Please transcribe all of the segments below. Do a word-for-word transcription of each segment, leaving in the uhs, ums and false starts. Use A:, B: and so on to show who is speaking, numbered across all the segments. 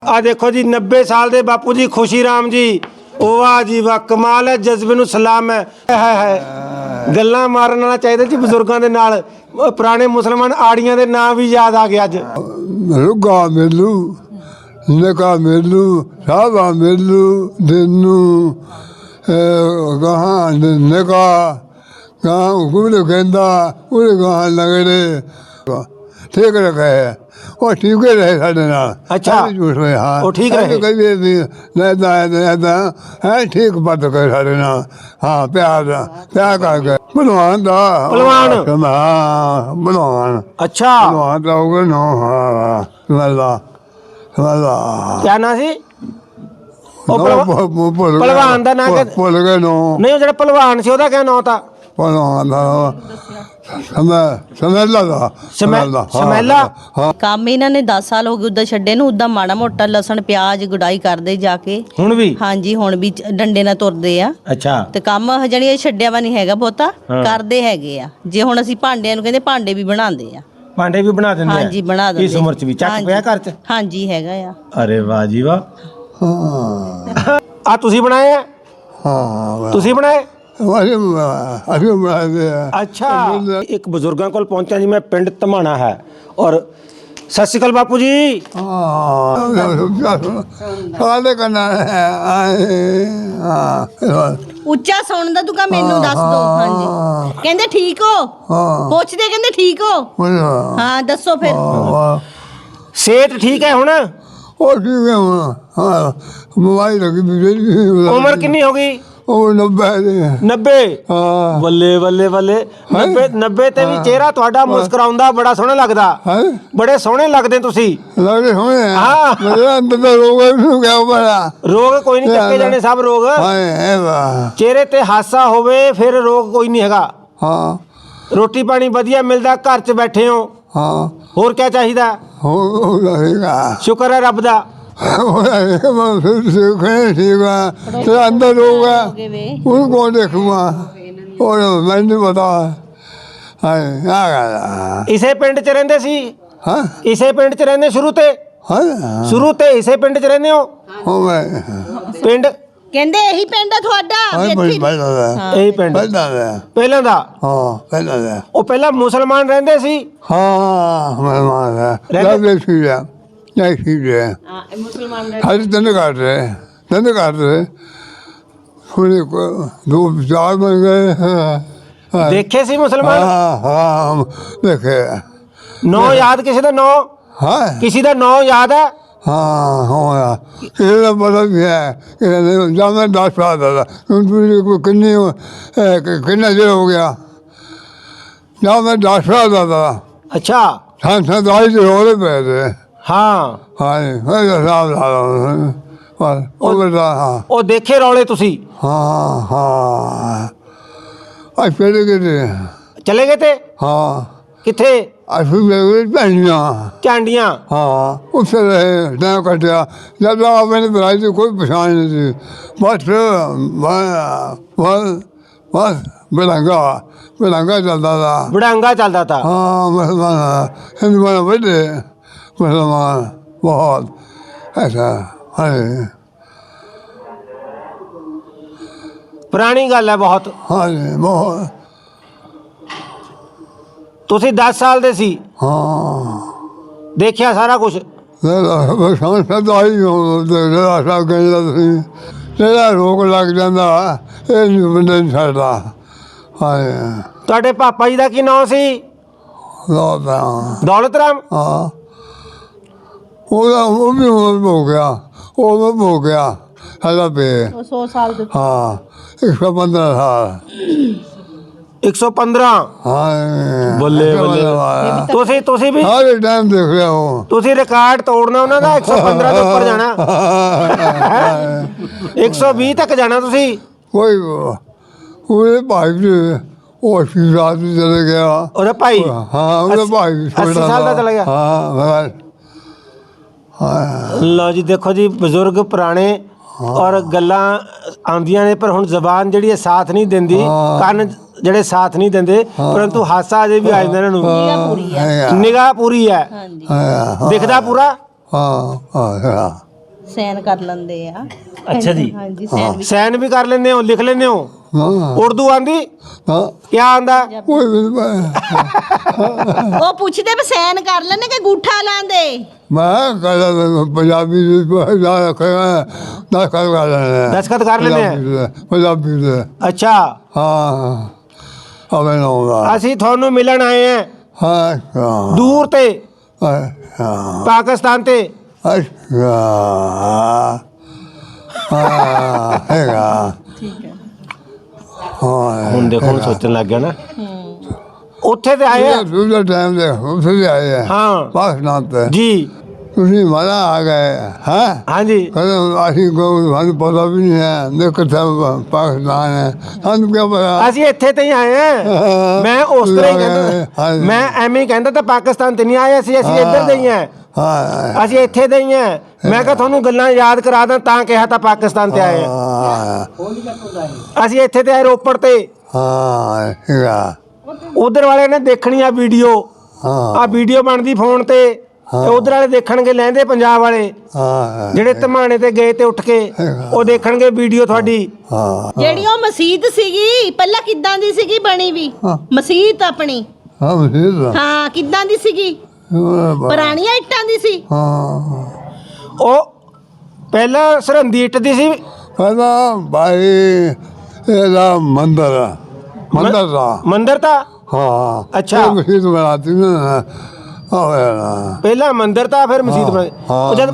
A: आ देखो जी नब्बे साल दे बापू जी खुशी राम जी वाह जी वाह कमाल है जज्बे नूं सलाम है है है गल्लां मारन वाला चाहिए जी बजुर्गों के नाल पुराने मुसलमान आड़ियां दे नाम भी याद आ गए अज
B: रुगा मेलू नका मेलू साबा मेलू दिनू कहाँ नका कहाँ कुल कहता कुल कहाँ लगड़े ठीक रखे है वो ठीक ही रहे साढ़े नाल
A: अच्छा
B: झूठ में हाँ
A: वो ठीक रहे
B: कभी भी रहता है रहता है ठीक बात कर साढ़े नाल हाँ प्यार प्यार करके भलवान था
A: भलवान
B: हाँ भलवान
A: अच्छा
B: भलवान था होगा नो हाँ समझला समझला
A: क्या ना सी ਉਹ
B: नो
A: ਭਲਵਾ-
B: भूल गया
A: ਭਲਵਾਨ ਦਾ ਨਾਂ
B: भूल-
A: ਕਿ-
B: भूल गए नो
A: नहीं वो ਜਿਹੜਾ ਪਹਿਲਵਾਨ ਸੀ ਉਹਦਾ ਕਿਆ ਨਾਂ था
B: भलवान था समय समझला था
A: ਸਮੈ- ਸਮੈਲਾ
B: हाँ
C: ਕੰਮ ਇਹਨਾਂ ਨੇ ਦਸ ਸਾਲ ਹੋ ਗਏ ਉਦਾਂ ਛੱਡੇ ਨੂੰ ਉਦਾਂ ਮਾੜਾ ਮੋਟਾ ਲਸਣ ਪਿਆਜ਼ ਗੁਡਾਈ ਕਰਦੇ ਜਾ ਕੇ
A: ਹੁਣ ਵੀ
C: ਹਾਂਜੀ ਹੁਣ ਵੀ ਚ- ਡੰਡੇ ਨਾਲ ਤੁਰਦੇ ਆ
A: ਅੱਛਾ
C: ਤੇ ਕੰਮ ਜਣੀ ਇਹ ਛੱਡਿਆ ਵਾ ਨਹੀਂ ਹੈਗਾ ਬਹੁਤਾ
A: ਹਾਂ।
C: ਕਰਦੇ ਹੈਗੇ ਆ ਜੇ ਹੁਣ ਅਸੀਂ ਭਾਂਡਿਆਂ ਨੂੰ ਕਹਿੰਦੇ ਭਾਂਡੇ ਵੀ ਬਣਾਉਂਦੇ ਆ
A: ਭਾਂਡੇ ਵੀ ਬਣਾ ਦਿੰਦੇ ਆ
C: ਹਾਂਜੀ ਬਣਾ ਦਿੰਦੇ
A: ਇਸ ਉਮਰ ਚ ਵੀ ਚੱਕ
C: ਹਾਂਜੀ।
A: ਪਿਆ ਘਰ ਚ
C: ਹਾਂਜੀ ਹੈਗਾ ਆ
A: ਅਰੇ ਵਾਹ ਜੀ ਵਾਹ
B: हाँ
A: ਆ ਤੁਸੀਂ ਬਣਾਏ ਆ
B: हाँ
A: ਤੁਸੀਂ ਬਣਾਏ
B: अभी अभी बनाते हैं
A: अच्छा एक बुजुर्गों को पहुंचा जी मैं पिंड धमाना है और सत श्री अकाल बापू जी
B: साले करना है हाँ
C: ਉੱਚਾ ਸੁਣਨ ਦਾ ਤੂੰ ਕਹ ਮੈਨੂੰ ਦੱਸ ਦੋ ਹਾਂਜੀ ਕਹਿੰਦੇ ਠੀਕ ਹੋ
B: हाँ
C: ਪੁੱਛਦੇ ਕਹਿੰਦੇ ਠੀਕ ਹੋ ਹਾਂ ਦੱਸੋ ਫਿਰ
A: सेहत ठीक है हुण
B: और ठीक है हाँ मोबाइल लगी बिजली
A: उम्र कितनी हो गई
B: ਉਹ नब्बे
A: नब्बे
B: हाँ
A: ਬੱਲੇ ਬੱਲੇ ਬੱਲੇ नब्बे नब्बे ਤੇ ਵੀ ਚਿਹਰਾ ਤੁਹਾਡਾ ਮੁਸਕਰਾਉਂਦਾ ਬੜਾ ਸੋਹਣਾ ਲੱਗਦਾ
B: है
A: ਬੜੇ ਸੋਹਣੇ ਲੱਗਦੇ ਤੁਸੀਂ
B: लगे हुए हैं
A: हाँ।
B: मेरे अंदर तो रोग है क्या बड़ा
A: ਰੋਗ ਕੋਈ ਨਹੀਂ ਚੱਕੇ ਜਾਣੇ ਸਭ ਰੋਗ
B: हाँ है वाह
A: ਚਿਹਰੇ ਤੇ ਹਾਸਾ ਹੋਵੇ ਫਿਰ ਰੋਗ ਕੋਈ ਨਹੀਂ ਹੈਗਾ
B: हाँ
A: ਰੋਟੀ ਪਾਣੀ ਵਧੀਆ ਮਿਲਦਾ ਘਰ 'ਚ ਬੈਠੇ ਹੋ
B: हाँ
A: ਹੋਰ ਕੀ ਚਾਹੀਦਾ
B: हो हो रहेगा
A: ਸ਼ੁਕਰ ਹੈ ਰੱਬ ਦਾ
B: हो रहेगा मैं फिर सीखे ठीक है तेरा अंदर रोग है
C: ਹੋਗੇ ਵੇ
B: उनको देखूंगा और मैं नहीं बता हाँ क्या कहना
A: ਇਸੇ ਪਿੰਡ 'ਚ ਰਹਿੰਦੇ ਸੀ
B: हाँ
A: ਇਸੇ ਪਿੰਡ 'ਚ ਰਹਿੰਦੇ ਸ਼ੁਰੂ ਤੇ
B: हाँ
A: ਸ਼ੁਰੂ ਤੇ ਇਸੇ ਪਿੰਡ 'ਚ ਰਹਿੰਦੇ ਹੋ
B: हो मैं
A: ਪਿੰਡ
C: ਕਹਿੰਦੇ ਇਹੀ ਪਿੰਡ ਆ ਤੁਹਾਡਾ
B: हाँ
C: ਵੀ
B: बड़ी
C: ਇੱਥੇ
B: बड़ा है
A: ਇਹੀ ਪਿੰਡ
B: बड़ा है
A: ਪਹਿਲਾਂ ਦਾ
B: हाँ बड़ा है
A: ਉਹ ਪਹਿਲਾਂ ਮੁਸਲਮਾਨ ਰਹਿੰਦੇ ਸੀ
B: हाँ मेहमान है
A: रहते-
B: सब ठीक है नहीं ठीक है
C: ਮੁਸਲਮਾਨ
B: हर दिन काट रहे दिन काट रहे थोड़े को दो चार बन गए हाँ
A: ਦੇਖੇ ਸੀ ਮੁਸਲਮਾਨ
B: हाँ हाँ देखे
A: ਨੌ ਯਾਦ ਕਿਸੇ ਦਾ ਨੌ
B: हाँ
A: ਕਿਸੇ ਦਾ ਨੌ ਯਾਦ ਹੈ
B: हाँ हाँ किसी का पता भी है जब मैं दस साल था किन्नी किन्ना देर हो गया जब मैं दस साल था
A: ਅੱਛਾ
B: सैतालीस रोले पे थे
A: ਹਾਂ
B: हाँ जी मैं साहब ला रहा हूँ बस वो बेटा हाँ
A: ਉਹ ਦੇਖੇ ਰੌਲੇ ਤੁਸੀਂ
B: हाँ हाँ आज पेड़ के थे
A: ਚਲੇ ਗਏ ਤੇ
B: हाँ
A: ਕਿੱਥੇ
B: आज फिर मेरे पहनिया
A: ਝਾਂਡੀਆਂ
B: हाँ उससे रहे टाइम कटिया जब तक मैंने बनाई थी कोई परेशानी नहीं थी बस बस बस बस बेलंगा बेलंगा चलता था
A: ਬੜਾਂਗਾ ਚੱਲਦਾ ਤਾ
B: हाँ मुसलमान हिंदुमान बड़े मुसलमान बहुत ऐसा अरे
A: ਪੁਰਾਣੀ ਗੱਲ ਹੈ ਬਹੁਤ
B: हाँ जी बहुत
A: ਤੁਸੀਂ ਦਸ ਸਾਲ ਦੇ ਸੀ
B: हाँ
A: ਦੇਖਿਆ ਸਾਰਾ ਕੁਝ
B: समझ सकता ही हूँ तेरा सब कहता थी तेरा रोग लग जाता ये नहीं बंदे नहीं छड़ता हाँ
A: ਤੁਹਾਡੇ ਪਾਪਾ ਜੀ ਦਾ ਕੀ ਨਾਮ ਸੀ
B: लौट
A: ਦੌਲਤ ਰਾਮ
B: हाँ वो वो भी उम्र हो गया वो उम्र हो गया हेला पे
C: सौ साल ਦੇ
B: हाँ एक सौ पंद्रह साल
A: एक सौ पंद्रह
B: हाँ
A: ਬੱਲੇ ਬੱਲੇ ਤੁਸੀਂ ਤੁਸੀਂ ਵੀ
B: हर टाइम देख रहा हूँ
A: ਤੁਸੀਂ ਰਿਕਾਰਡ ਤੋੜਨਾ ਉਹਨਾਂ ਦਾ एक सौ पंद्रह ਦੇ ਉੱਪਰ ਜਾਣਾ एक सौ बीस ਤੱਕ ਜਾਣਾ ਤੁਸੀਂ
B: कोई पूरे भाई भी वो अस्सी साल भी चले गया
A: ਉਹਦਾ ਭਾਈ
B: हाँ उधर भाई भी
A: अस्सी
B: छोटा
A: साल का
B: था।
A: चला गया?
B: हाँ बस हाँ
A: ਲਓ ਜੀ ਦੇਖੋ ਜੀ ਬਜ਼ੁਰਗ ਪੁਰਾਣੇ ਔਰ ਗੱਲਾਂ ਆਉਂਦੀਆਂ ਨੇ ਪਰ ਹੁਣ ਜ਼ਬਾਨ ਜਿਹੜੀ ਹੈ ਸਾਥ ਨਹੀਂ ਦਿੰਦੀ ਕੰਨ ਜਿਹੜੇ ਸਾਥ ਨਹੀਂ ਦਿੰਦੇ ਪਰੰਤੂ ਹਾਸਾ ਅਜੇ ਵੀ ਆ ਜਾਂਦਾ ਇਹਨਾਂ ਨੂੰ
C: ਪੂਰੀ ਆ
B: है
A: ਨਿਗਾਹ ਪੂਰੀ ਹੈ
C: ਹਾਂਜੀ
B: हाँ
A: ਦਿਖਦਾ ਪੂਰਾ
B: हाँ हाँ
C: ਸੈਨ ਕਰ ਲੈਂਦੇ ਆ।
A: ਅੱਛਾ ਜੀ।
C: ਹਾਂਜੀ ਸੈਨ ਵੀ
A: ਸੈਨ ਵੀ ਕਰ ਲੈਂਦੇ ਹੋ, ਲਿਖ ਲੈਂਦੇ ਹੋ?
B: हाँ
A: ਉਰਦੂ ਆਂਦੀ?
B: हाँ
A: ਕੀ ਆਂਦਾ?
B: कोई भी मैं
C: ਉਹ ਪੁੱਛਦੇ ਵੀ ਸੈਨ ਕਰ ਲੈਣੇ ਕਿ ਗੂਠਾ ਲਾਂਦੇ।
B: कल पंजाबी दस कर कर लेने
A: दस्तखत कर लेने हैं?
B: पंजाबी से
A: ਅੱਛਾ,
B: हाँ अब आऊँगा
A: ਅਸੀਂ ਤੁਹਾਨੂੰ ਮਿਲਣ ਆਏ ਹਾਂ
B: हाँ
A: ਦੂਰ ਤੇ,
B: अच्छा
A: ਪਾਕਿਸਤਾਨ ਤੇ।
B: अच्छा हाँ हैगा
C: ਠੀਕ ਹੈ।
B: हाँ
A: ਹੁਣ ਦੇਖੋ, ਹੁਣ ਸੋਚਣ ਲੱਗ ਗਿਆ ਨਾ। ਉੱਥੇ ਤੇ ਆਏ ਆ।
B: दूसरे टाइम से उसे भी आए हैं
A: हाँ
B: पाकिस्तान से
A: ਜੀ।
B: ਤੁਸੀਂ ਮਾਰਾ ਆ ਗਏ ਹੈ
A: ਹਾਂਜੀ।
B: ਕਹਿੰਦੇ ਅਸੀਂ ਕੋਈ ਸਾਨੂੰ ਪਤਾ ਵੀ ਨਹੀਂ ਹੈ ਦੇਖ ਕਿੱਥੇ ਪਾਕਿਸਤਾਨ ਹੈ ਸਾਨੂੰ ਕੀ ਪਤਾ
A: ਅਸੀਂ ਇੱਥੇ ਤੇ ਹੀ ਆਏ ਹਾਂ। ਮੈਂ ਉਸ ਤਰ੍ਹਾਂ ਹੀ ਕਹਿੰਦਾ,
B: ਹਾਂਜੀ।
A: ਮੈਂ ਐਵੇਂ ਹੀ ਕਹਿੰਦਾ ਤਾਂ ਪਾਕਿਸਤਾਨ ਤੇ ਨਹੀਂ ਆਏ ਅਸੀਂ, ਅਸੀਂ ਇੱਧਰ ਦੇ ਹੀ ਹਾਂ,
B: ਹਾਂ
A: ਅਸੀਂ ਇੱਥੇ ਦੇ ਹੀ ਹਾਂ। ਮੈਂ ਕਿਹਾ ਤੁਹਾਨੂੰ ਗੱਲਾਂ ਯਾਦ ਕਰਾ ਦਾਂ ਤਾਂ ਕਿਹਾ ਤਾਂ ਪਾਕਿਸਤਾਨ ਤੇ ਆਏ ਹਾਂ।
B: ਹਾਂ
A: ਅਸੀਂ ਇੱਥੇ ਤੇ ਆਏ ਰੋਪੜ ਤੇ।
B: ਹਾਂ ਹੈਗਾ
A: ਉਧਰ ਵਾਲੇ ਨੇ ਦੇਖਣੀ ਆ ਵੀਡੀਓ,
B: ਹਾਂ
A: ਆ ਵੀਡੀਓ ਬਣਦੀ ਫੋਨ ਤੇ, ਤੇ ਉਧਰ ਵਾਲੇ ਦੇਖਣਗੇ, ਲਹਿੰਦੇ ਪੰਜਾਬ ਵਾਲੇ
B: ਹਾਂ
A: ਜਿਹੜੇ ਧਮਾਣੇ ਤੇ ਗਏ ਤੇ ਉੱਠ ਕੇ, ਉਹ ਦੇਖਣਗੇ ਵੀਡੀਓ ਤੁਹਾਡੀ।
B: ਹਾਂ
C: ਜਿਹੜੀ ਉਹ ਮਸਜਿਦ ਸੀਗੀ ਪਹਿਲਾਂ ਕਿੱਦਾਂ ਦੀ ਸੀਗੀ ਬਣੀ ਵੀ?
B: ਹਾਂ।
C: ਮਸਜਿਦ ਆਪਣੀ
B: ਹਾਂ ਮਸੀਹ
C: ਹਾਂ ਕਿੱਦਾਂ ਦੀ ਸੀਗੀ? ਪੁਰਾਣੀਆਂ ਇੱਟਾਂ ਦੀ ਸੀ?
B: ਹਾਂ
A: ਉਹ ਪਹਿਲਾਂ ਸਰਹੰਦੀ ਇੱਟ ਦੀ ਸੀ।
B: ਕਹਿੰਦਾ ਭਾਈ ਇਹਦਾ ਮੰਦਰ ਆ ਮੰਦਰ ਦਾ
A: ਮੰਦਰ ਤਾਂ
B: ਹਾਂ
A: ਅੱਛਾ।
B: ਮਸੀਹ ਬਣਾਤੀ ਨਾ ਹਾਂ
A: ਪਹਿਲਾਂ ਮੰਦਰ ਤਾਂ ਫਿਰ ਮਸਜਿਦ ਬਣੀ। ਉਹ ਜਦ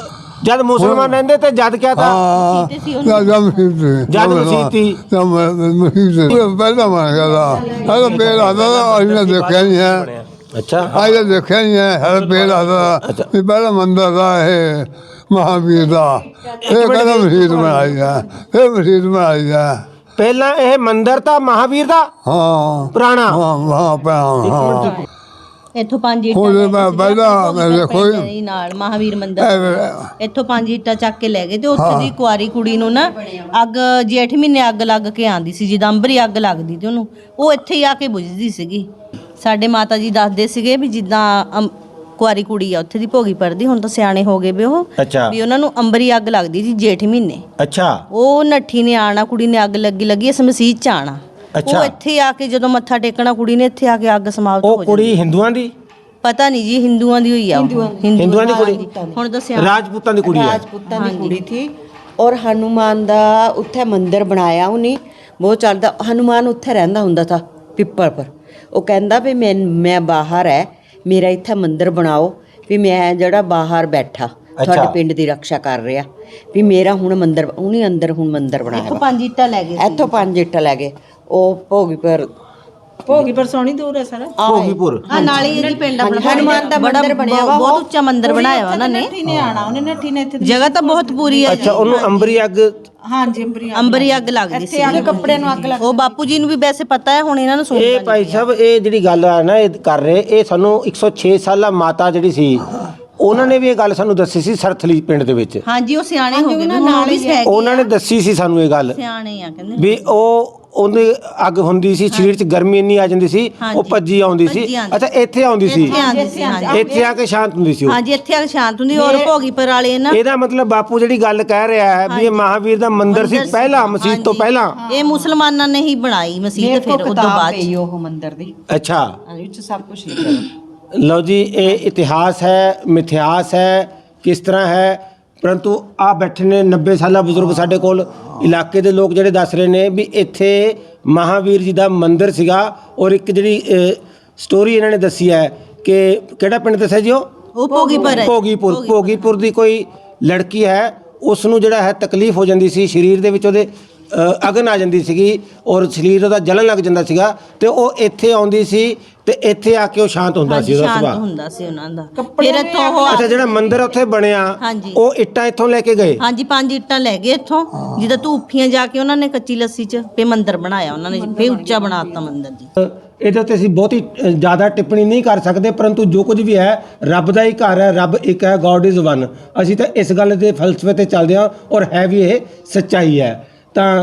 A: ਜਦ ਮੁਸਲਮਾਨ ਰਹਿੰਦੇ ਤੇ ਜਦ ਕਿਆ ਤਾਂ
B: हाँ जब मसीह थी
A: जब मसीह थी।
B: जब मसीह थी पहला बन गया था हर पेड़ आता था हमने देखा नहीं है
A: ਅੱਛਾ।
B: आज देखा नहीं है हर पेड़ आता था ये पहला मंदिर था ये महावीर का ये कहना मसीह बनाई है फिर मसीह बनाई है
A: ਪਹਿਲਾਂ ਇਹ ਮੰਦਰ ਤਾਂ ਮਹਾਵੀਰ ਦਾ
B: हाँ
A: ਪੁਰਾਣਾ।
B: हाँ वहाँ पे हाँ
C: ਇੱਥੋਂ ਪੰਜ
B: ਉਹਦੇ
C: ਇੱਟਾਂ
B: ਮੈਂ ਪਹਿਲਾਂ ਮੈਂ ਦੇਖੋ
C: ਜੀ ਨਾਲ ਮਹਾਵੀਰ ਮੰਦਿਰ ਇੱਥੋਂ ਪੰਜ ਇੱਟਾਂ ਚੱਕ ਕੇ ਲੈ ਗਏ ਤੇ ਉੱਥੇ ਦੀ ਕੁਆਰੀ ਕੁੜੀ ਨੂੰ ਨਾ ਅੱਗ ਜੇਠ ਮਹੀਨੇ ਅੱਗ ਲੱਗ ਕੇ ਆਂਦੀ ਸੀ, ਜਿੱਦਾਂ ਅੰਬਰੀ ਅੱਗ ਲੱਗਦੀ ਤੇ ਉਹਨੂੰ ਉਹ ਇੱਥੇ ਹੀ ਆ ਕੇ ਬੁਝਦੀ ਸੀਗੀ। ਸਾਡੇ ਮਾਤਾ ਜੀ ਦੱਸਦੇ ਸੀਗੇ ਵੀ ਜਿੱਦਾਂ ਅਮ- ਕੁਆਰੀ ਕੁੜੀ ਆ ਉੱਥੇ ਦੀ ਭੋਗੀ ਪੜਦੀ, ਹੁਣ ਤਾਂ ਸਿਆਣੇ ਹੋ ਗਏ ਵੀ ਉਹ,
A: ਅੱਛਾ।
C: ਵੀ ਉਹਨਾਂ ਨੂੰ ਅੰਬਰੀ ਅੱਗ ਲੱਗਦੀ ਸੀ ਜੇਠ ਮਹੀਨੇ।
A: ਅੱਛਾ
C: ਉਹ ਨੱਠੀ ਨੇ ਆਣਾ, ਕੁੜੀ ਨੇ ਅੱਗ ਲੱਗੀ ਲੱਗੀ ਇਸ ਮਸੀਤ ਚ ਆਣਾ।
A: ਅੱਛਾ।
C: ਉਹ ਇੱਥੇ ਆ ਕੇ ਜਦੋਂ ਮੱਥਾ ਟੇਕਣਾ ਕੁੜੀ ਨੇ ਇੱਥੇ ਆ ਕੇ ਅੱਗ ਸਮਾਪਤ ਹੋ
A: ਉਹ
C: ਜਾਂਦੀ।
A: ਕੁੜੀ ਹਿੰਦੂਆਂ ਦੀ?
C: ਪਤਾ ਨਹੀਂ ਜੀ, ਹਿੰਦੂਆਂ ਦੀ ਹੋਈ ਆ ਉਹ।
A: ਹਿੰਦੂਆਂ ਦੀ ਕੁੜੀ?
C: ਹੁਣ ਦੱਸਿਆ
A: ਰਾਜਪੂਤਾਂ ਦੀ ਕੁੜੀ ਹੈ?
D: ਰਾਜਪੂਤਾਂ ਦੀ ਕੁੜੀ ਥੀ ਔਰ ਹਨੂਮਾਨ ਦਾ ਉੱਥੇ ਮੰਦਿਰ ਬਣਾਇਆ ਉਹਨੇ ਬਹੁਤ ਚੱਲਦਾ। ਹਨੂਮਾਨ ਉੱਥੇ ਰਹਿੰਦਾ ਹੁੰਦਾ ਥਾ ਪਿੱਪਲ ਪਰ। ਉਹ ਕਹਿੰਦਾ ਵੀ ਮੈਂ ਮੈਂ ਬਾਹਰ ਹੈ, ਮੇਰਾ ਇੱਥੇ ਮੰਦਿਰ ਬਣਾਓ ਵੀ ਮੈਂ ਜਿਹੜਾ ਬਾਹਰ ਬੈਠਾ ਤੁਹਾਡੇ ਪਿੰਡ ਦੀ ਰੱਖਿਆ ਕਰ ਰਿਹਾ ਵੀ ਮੇਰਾ ਹੁਣ ਮੰਦਿਰ। ਉਹਨੇ ਅੰਦਰ ਹੁਣ ਮੰਦਿਰ ਬਣਾਇਆ
C: ਇੱਥੋਂ ਪੰਜ ਇੱਟਾਂ ਲੈ ਗਏ ਸੀ।
D: ਇੱਥੋਂ ਪੰਜ ਇੱਟ ਲੈ ਗਏ। ਉਹ ਭੋਗੀ ਪਰ
C: ਭੋਗੀ ਪਰ ਸੋਹਣੀ ਦੂਰ ਹੈ ਸਰ।
A: ਭੋਗੀਪੁਰ
C: ਹਾਂ ਨਾਲ ਹੀ ਇਹਦੀ ਪਿੰਡ ਆਪਣਾ
D: ਹਨੂਮਾਨ ਦਾ
C: ਬੜਾ
D: ਮੰਦਿਰ ਬਣਿਆ ਵਾ,
C: ਬਹੁਤ ਉੱਚਾ ਮੰਦਿਰ ਬਣਾਇਆ ਵਾ ਉਹਨਾਂ ਨੇ।
E: ਨੇ ਆਣਾ ਉਹਨੇ ਨੱਠੀ ਨੇ ਇੱਥੇ
C: ਜਗ੍ਹਾ ਤਾਂ ਬਹੁਤ ਪੂਰੀ ਹੈ।
A: ਅੱਛਾ, ਉਹਨੂੰ ਅੰਬਰੀ ਅੱਗ
E: ਹਾਂਜੀ ਅੰਬਰੀ
C: ਅੰਬਰੀ ਅੱਗ ਲੱਗਦੀ ਸੀ।
E: ਇੱਥੇ ਕੱਪੜੇ ਨੂੰ ਅੱਗ ਲੱਗ
C: ਉਹ ਬਾਪੂ ਜੀ ਨੂੰ ਵੀ ਵੈਸੇ ਪਤਾ ਹੈ, ਹੁਣ ਇਹਨਾਂ ਨੂੰ ਸੁਣ
A: ਇਹ ਭਾਈ ਸਾਹਿਬ ਇਹ ਜਿਹੜੀ ਗੱਲ ਆ ਨਾ ਇਹ ਕਰ ਰਹੇ, ਇਹ ਸਾਨੂੰ ਇੱਕ ਸੌ ਛੇ ਸਾਲਾ ਮਾਤਾ ਜਿਹੜੀ ਸੀ ਉਹਨਾਂ ਨੇ ਵੀ ਇਹ ਗੱਲ ਸਾਨੂੰ ਦੱਸੀ ਸੀ ਸਰਥਲੀ ਪਿੰਡ ਦੇ ਵਿੱਚ।
C: ਹਾਂਜੀ ਉਹ ਸਿਆਣੇ ਹੋ ਗਏ, ਨਾਲ ਹੀ ਹੈਗੇ
A: ਉਹਨਾਂ ਨੇ ਦੱਸੀ ਸੀ ਸਾਨੂੰ ਇਹ ਗੱਲ
C: ਸਿਆਣੇ ਆ ਕਹਿੰਦੇ
A: ਵੀ ਉਹ ਉਹਦੇ ਅੱਗ ਹੁੰਦੀ ਸੀ, ਸਰੀਰ 'ਚ ਗਰਮੀ ਇੰਨੀ ਆ ਜਾਂਦੀ ਸੀ, ਉਹ ਭੱਜੀ ਆਉਂਦੀ ਸੀ।
C: ਭੱਜੀ ਆਉਂਦੀ।
A: ਅੱਛਾ, ਇੱਥੇ ਆਉਂਦੀ ਸੀ,
C: ਇੱਥੇ ਆਉਂਦੀ ਸੀ ਹਾਂਜੀ।
A: ਇੱਥੇ ਆ ਕੇ ਸ਼ਾਂਤ ਹੁੰਦੀ ਸੀ ਉਹ।
C: ਹਾਂਜੀ ਇੱਥੇ ਆ ਕੇ ਸ਼ਾਂਤ ਹੁੰਦੀ। ਔਰ ਭੋਗੀਪੁਰ ਵਾਲੇ ਨਾ
A: ਇਹਦਾ ਮਤਲਬ ਬਾਪੂ ਜਿਹੜੀ ਗੱਲ ਕਹਿ ਰਿਹਾ ਹੈ ਵੀ ਇਹ ਮਹਾਵੀਰ ਦਾ ਮੰਦਿਰ ਸੀ ਪਹਿਲਾਂ, ਮਸਜਿਦ ਤੋਂ ਪਹਿਲਾਂ।
C: ਇਹ ਮੁਸਲਮਾਨਾਂ ਨੇ ਹੀ ਬਣਾਈ ਮਸਜਿਦ ਫਿਰ ਉਸ ਤੋਂ ਬਾਅਦ ਚ।
E: ਉਹ ਮੰਦਿਰ ਦੀ
A: ਅੱਛਾ
E: ਵਿੱਚ ਸਭ ਕੁਝ ਲਿਖਿਆ।
A: ਲਓ ਜੀ, ਇਹ ਇਤਿਹਾਸ ਹੈ, ਮਿਥਿਹਾਸ ਹੈ, ਕਿਸ ਤਰ੍ਹਾਂ ਹੈ। ਪਰੰਤੂ ਆ ਬੈਠੇ ਨੇ ਨੱਬੇ ਸਾਲਾ ਬਜ਼ੁਰਗ ਸਾਡੇ ਕੋਲ, ਇਲਾਕੇ ਦੇ ਲੋਕ ਜਿਹੜੇ ਦੱਸ ਰਹੇ ਨੇ ਵੀ ਇੱਥੇ ਮਹਾਵੀਰ ਜੀ ਦਾ ਮੰਦਿਰ ਸੀਗਾ। ਔਰ ਇੱਕ ਜਿਹੜੀ ਸਟੋਰੀ ਇਹਨਾਂ ਨੇ ਦੱਸੀ ਹੈ ਕਿ ਕਿਹੜਾ ਪਿੰਡ ਦੱਸਿਆ ਜੀ ਉਹ?
C: ਉਹ ਭੋਗੀਪੁਰ ਹੈ।
A: ਭੋਗੀਪੁਰ ਭੋਗੀਪੁਰ ਦੀ ਕੋਈ ਲੜਕੀ ਹੈ, ਉਸ ਨੂੰ ਜਿਹੜਾ ਹੈ ਤਕਲੀਫ ਹੋ ਜਾਂਦੀ ਸੀ, ਸਰੀਰ ਦੇ ਵਿੱਚ ਉਹਦੇ ਅ, ਅਗਨ ਆ ਜਾਂਦੀ ਸੀਗੀ ਔਰ ਸਰੀਰ ਉਹਦਾ ਜਲਣ ਲੱਗ ਜਾਂਦਾ ਸੀਗਾ, ਤੇ ਉਹ ਇੱਥੇ ਆਉਂਦੀ ਸੀ ਤੇ ਇੱਥੇ ਆ ਕੇ ਉਹ ਸ਼ਾਂਤ ਹੁੰਦਾ ਸੀ, ਉਹਦਾ
C: ਸ਼ਾਂਤ
A: ਸੁਭਾਅ।
C: ਹੁੰਦਾ ਸੀ ਉਹਨਾਂ ਦਾ। ਫਿਰ ਇੱਥੋਂ ਉਹ
A: ਅੱਛਾ, ਜਿਹੜਾ ਮੰਦਿਰ ਉੱਥੇ ਬਣਿਆ
C: ਹਾਂਜੀ।
A: ਉਹ ਇੱਟਾਂ ਇੱਥੋਂ ਲੈ ਕੇ ਗਏ?
C: ਹਾਂਜੀ ਪੰਜ ਇੱਟਾਂ ਲੈ ਗਏ ਇੱਥੋਂ, ਜਿੱਦਾਂ ਧੂਫੀਆਂ ਜਾ ਕੇ ਉਹਨਾਂ ਨੇ ਕੱਚੀ ਲੱਸੀ 'ਚ ਫੇ ਮੰਦਿਰ ਬਣਾਇਆ ਉਹਨਾਂ ਨੇ, ਫੇ ਉੱਚਾ ਬਣਾਤਾ ਮੰਦਿਰ ਜੀ।
A: ਇਹਦੇ ਉੱਤੇ ਅਸੀਂ ਬਹੁਤੀ ਅ, ਜ਼ਿਆਦਾ ਟਿੱਪਣੀ ਨਹੀਂ ਕਰ ਸਕਦੇ, ਪਰੰਤੂ ਜੋ ਕੁਝ ਵੀ ਹੈ ਰੱਬ ਦਾ ਹੀ ਘਰ ਹੈ, ਰੱਬ ਇੱਕ ਹੈ, ਗੋਡ ਇਜ਼ ਵਨ। ਅਸੀਂ ਤਾਂ ਇਸ ਗੱਲ ਦੇ ਫਲਸਫੇ ਤੇ ਚੱਲਦੇ ਹਾਂ ਔਰ ਹੈ ਵੀ ਇਹ ਸੱਚਾਈ ਹੈ। ਤਾਂ